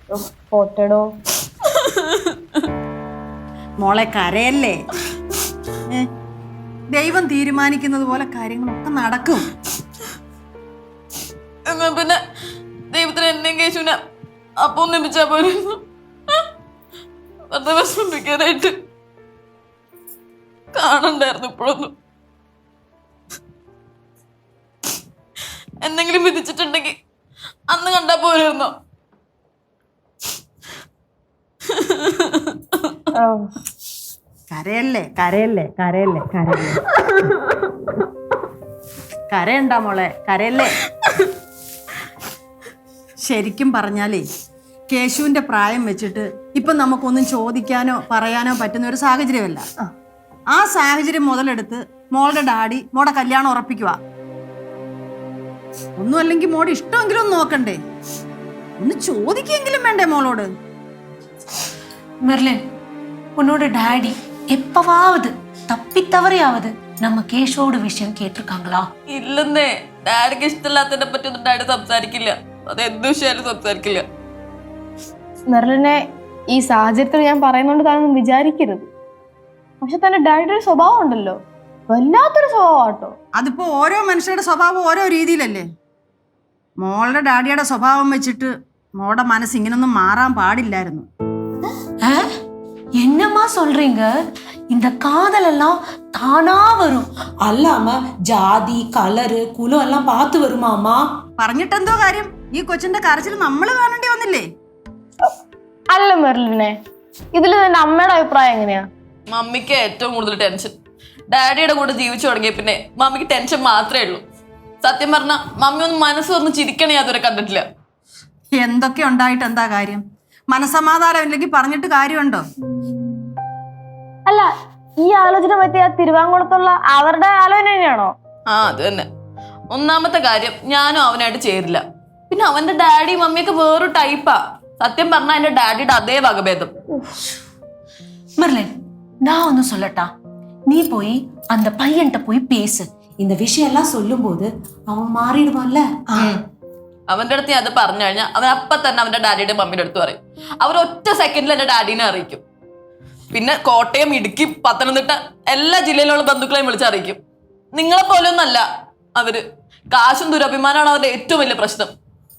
പോട്ടടോ മോളെ കരയല്ലേ. ദൈവം തീരുമാനിക്കുന്നത് പോലെ കാര്യങ്ങളൊക്കെ നടക്കും. എന്നാ പിന്നെ ദൈവത്തിന് എന്നെയും കേശുവിനെ അപ്പം ഒന്നിപ്പിച്ചാ പോരുന്നു. വെറുതെ വിഷമിപ്പിക്കാനായിട്ട് കാണണ്ടായിരുന്നു. ഇപ്പോഴൊന്നും എന്തെങ്കിലും വിധിച്ചിട്ടുണ്ടെങ്കിൽ അന്ന് കണ്ടാ പോരുന്നോ? കരയല്ലേ കരയല്ലേ കരയല്ലേ കരയല്ലേ കരയണ്ട മോളെ, കരയല്ലേ. ശരിക്കും പറഞ്ഞാലേ കേശുവിന്റെ പ്രായം വെച്ചിട്ട് ഇപ്പൊ നമുക്കൊന്നും ചോദിക്കാനോ പറയാനോ പറ്റുന്ന ഒരു സാഹചര്യമല്ല. ആ സാഹചര്യം മുതലെടുത്ത് മോളുടെ ഡാഡി മോടെ കല്യാണം ഉറപ്പിക്കുക. ഒന്നും അല്ലെങ്കിൽ മോടെ ഇഷ്ടമെങ്കിലും ഒന്ന് നോക്കണ്ടേ, ഒന്ന് ചോദിക്കെങ്കിലും വേണ്ടേ മോളോട്? மெர்லின், உன்னோட டாடி எப்பவாவது தப்பி தவறியாவது நம்ம கேஷோட விஷயம் கேட்டிருக்காங்களா? ഇല്ലെന്നേ. ഡാഡിക്ക് ഇഷ്ടമില്ലാത്തതിനെ പറ്റി ഒന്നും ഡാഡി സംസാരിക്കില്ല. അത് എന്ത് വിഷയാലും സംസാരിക്കില്ല. മെർലിനെ ഈ സാഹചര്യത്തിൽ ഞാൻ പറയുന്നോണ്ട് താനൊന്നും വിചാരിക്കരുത്. പക്ഷെ തന്റെ ഡാഡിയുടെ ഒരു സ്വഭാവം ഉണ്ടല്ലോ, വല്ലാത്തൊരു സ്വഭാവം കേട്ടോ. അതിപ്പോ ഓരോ മനുഷ്യരുടെ സ്വഭാവം ഓരോ രീതിയിലല്ലേ. മോളുടെ ഡാഡിയുടെ സ്വഭാവം വെച്ചിട്ട് മോളുടെ മനസ്സ് ഇങ്ങനൊന്നും മാറാൻ പാടില്ലായിരുന്നു. என்னம்மா சொல்றீங்க? இந்த காதல் எல்லாம் தானா வரும், அல்லாம ஜாதி கலரு குலம் எல்லாம் பார்த்து வருமாமா. പറഞ്ഞിട്ടെന്തോ കാര്യം? ഈ കൊച്ചിന്റെ കരച്ചിൽ നമ്മൾ കാണേണ്ടി വന്നില്ലേ? അല്ല മെർലിനെ, ഇതിൽ നിന്റെ അമ്മയുടെ അഭിപ്രായം എങ്ങനെയാ? മമ്മിക്ക് ഏറ്റവും കൂടുതൽ ടെൻഷൻ. ഡാഡിയുടെ കൂടെ ജീവിച്ചു തുടങ്ങിയ പിന്നെ മമ്മിക്ക് ടെൻഷൻ മാത്രമേ ഉള്ളൂ. സത്യം പറഞ്ഞ മമ്മി ഒന്ന് മനസ്സ് തുറന്ന് ചിരിക്കണേ അതുവരെ കണ്ടിട്ടില്ല. എന്തൊക്കെ ഉണ്ടായിട്ട് എന്താ കാര്യം? മനസമാധാനം ഇല്ലെങ്കിൽ പറഞ്ഞിട്ട് കാര്യമുണ്ടോ? അല്ല, ഈ ആലോചന പറ്റിയ തിരുവാങ്കുളത്തുള്ള അവരുടെ ആലോചന തന്നെയാണോ? ആ, അത് തന്നെ. ഒന്നാമത്തെ കാര്യം, ഞാനും അവനായിട്ട് ചേരില്ല. പിന്നെ അവന്റെ ഡാഡി മമ്മിയൊക്കെ വേറൊരു ടൈപ്പാ. സത്യം പറഞ്ഞാൽ എന്റെ ഡാഡിയുടെ അതേ വകഭേദം. மெர்லின், நான் ஒன்னு சொல்லட்டா? நீ போய் அந்த பையன்கிட்ட போய் பேசு. இந்த விஷயம் எல்லாம் சொல்லும் போது அவன் மாறிடுவான்ல. അവന്റെ അടുത്ത് ഞാൻ അത് പറഞ്ഞു കഴിഞ്ഞാൽ അവൻ അപ്പൊ തന്നെ അവന്റെ ഡാഡിയുടെ മമ്മിയുടെ അടുത്ത് പറയും. അവർ ഒറ്റ സെക്കൻഡിൽ എന്റെ ഡാഡിനെ അറിയിക്കും. പിന്നെ കോട്ടയം, ഇടുക്കി, പത്തനംതിട്ട എല്ലാ ജില്ലയിലുള്ള ബന്ധുക്കളെയും വിളിച്ചറിയിക്കും. നിങ്ങളെ പോലെ ഒന്നല്ല അവര്. കാശും ദുരഭിമാനമാണ് അവരുടെ ഏറ്റവും വലിയ പ്രശ്നം.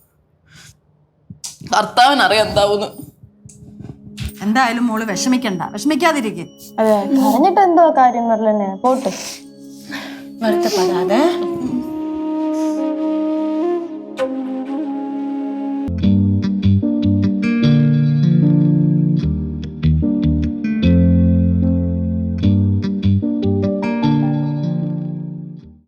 ഭർത്താവിനറിയാം എന്താവൂന്ന്. എന്തായാലും മോള് വിഷമിക്കണ്ട, വിഷമിക്കാതിരിക്കെ. അതെ, പറഞ്ഞിട്ട് എന്തോ കാര്യം മെർലിനെ, പോട്ടെ. வருத்தப்படாத.